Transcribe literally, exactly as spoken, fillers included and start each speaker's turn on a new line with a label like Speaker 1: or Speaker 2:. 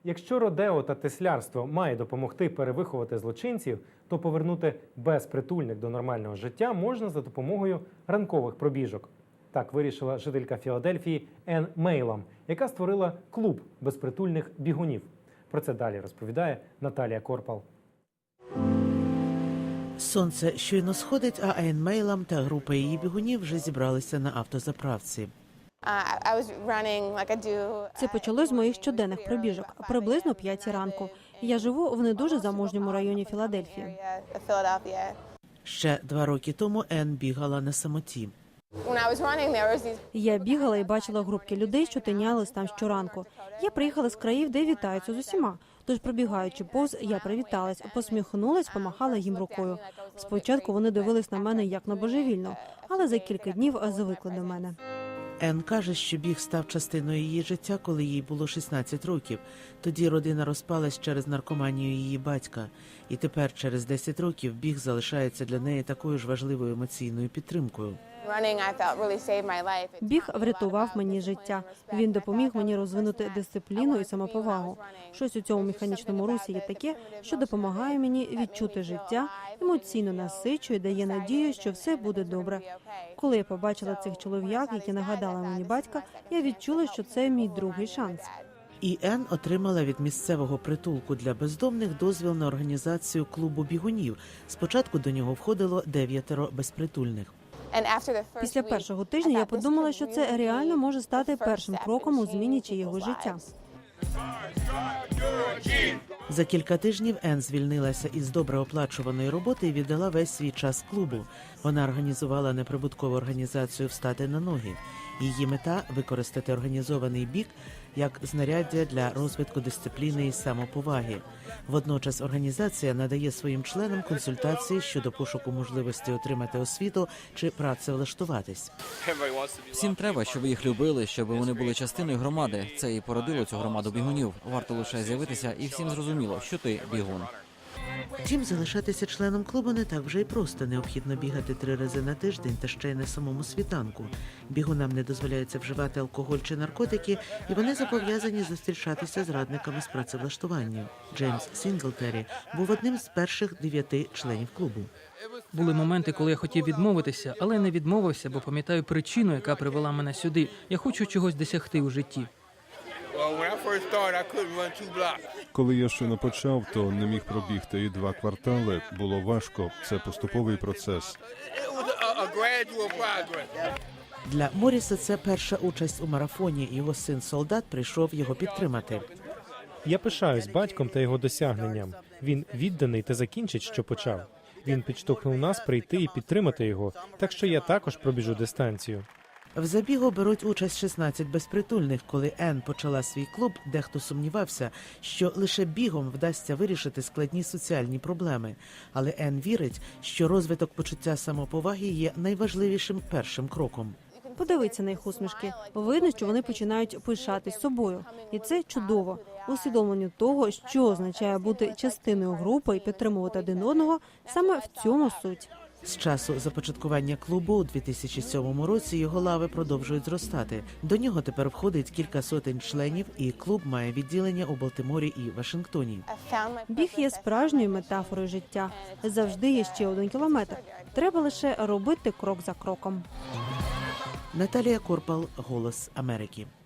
Speaker 1: Якщо родео та теслярство має допомогти перевиховати злочинців, то повернути безпритульних до нормального життя можна за допомогою ранкових пробіжок. Так вирішила жителька Філадельфії Енн Мейлам, яка створила клуб безпритульних бігунів. Про це далі розповідає Наталія Корпал.
Speaker 2: Сонце щойно сходить, а Енн Мейлам та група її бігунів вже зібралися на автозаправці.
Speaker 3: Це почалось з моїх щоденних пробіжок, приблизно о п'ятій ранку. Я живу в не дуже заможньому районі Філадельфії.
Speaker 2: Ще два роки тому Енн бігала на самоті.
Speaker 3: Я бігала і бачила групки людей, що тинялись там щоранку. Я приїхала з країв, де вітаються з усіма. Тож, пробігаючи повз, я привіталась, посміхнулась, помахала їм рукою. Спочатку вони дивились на мене як на божевільну, але за кілька днів звикли до мене.
Speaker 2: Енн каже, що біг став частиною її життя, коли їй було шістнадцять років. Тоді родина розпалась через наркоманію її батька. І тепер, через десять років, біг залишається для неї такою ж важливою емоційною підтримкою.
Speaker 3: Біг врятував мені життя. Він допоміг мені розвинути дисципліну і самоповагу. Щось у цьому механічному русі є таке, що допомагає мені відчути життя, емоційно насичує, дає надію, що все буде добре. Коли я побачила цих чолов'як, які нагадали мені батька, я відчула, що це мій другий шанс.
Speaker 2: І Енн отримала від місцевого притулку для бездомних дозвіл на організацію клубу бігунів. Спочатку до нього входило дев'ятеро безпритульних.
Speaker 3: Після першого тижня я подумала, що це реально може стати першим кроком у зміні чиєго життя.
Speaker 2: За кілька тижнів Енн звільнилася із добре оплачуваної роботи і віддала весь свій час клубу. Вона організувала неприбуткову організацію «Встати на ноги». Її мета – використати організований біг як знаряддя для розвитку дисципліни і самоповаги. Водночас організація надає своїм членам консультації щодо пошуку можливості отримати освіту чи працевлаштуватись.
Speaker 4: Всім треба, щоб їх любили, щоб вони були частиною громади. Це і породило цю громаду бігунів. Варто лише з'явитися, і всім зрозуміло, що ти бігун.
Speaker 2: Втім, залишатися членом клубу не так вже й просто. Необхідно бігати три рази на тиждень та ще й на самому світанку. Бігунам не дозволяється вживати алкоголь чи наркотики, і вони зобов'язані зустрічатися з радниками з працевлаштування. Джеймс Сінглтері був одним з перших дев'яти членів клубу.
Speaker 5: Були моменти, коли я хотів відмовитися, але не відмовився, бо пам'ятаю причину, яка привела мене сюди. Я хочу чогось досягти у житті.
Speaker 6: Коли я щойно почав, то не міг пробігти і два квартали. Було важко. Це поступовий процес.
Speaker 2: Для Моріса це перша участь у марафоні. Його син Солдат прийшов його підтримати.
Speaker 1: Я пишаюсь батьком та його досягненням. Він відданий та закінчить, що почав. Він підштовхнув нас прийти і підтримати його, так що я також пробіжу дистанцію.
Speaker 2: В забігу беруть участь шістнадцять безпритульних. Коли Енн почала свій клуб, дехто сумнівався, що лише бігом вдасться вирішити складні соціальні проблеми. Але Енн вірить, що розвиток почуття самоповаги є найважливішим першим кроком.
Speaker 3: Подивіться на їх усмішки. Видно, що вони починають пишатись собою. І це чудово. Усвідомлення того, що означає бути частиною групи і підтримувати один одного, саме в цьому суть.
Speaker 2: З часу започаткування клубу у дві тисячі сьомому році його лави продовжують зростати. До нього тепер входить кілька сотень членів, і клуб має відділення у Балтиморі і Вашингтоні.
Speaker 3: Біг є справжньою метафорою життя. Завжди є ще один кілометр. Треба лише робити крок за кроком.
Speaker 2: Наталія Корпал, «Голос Америки».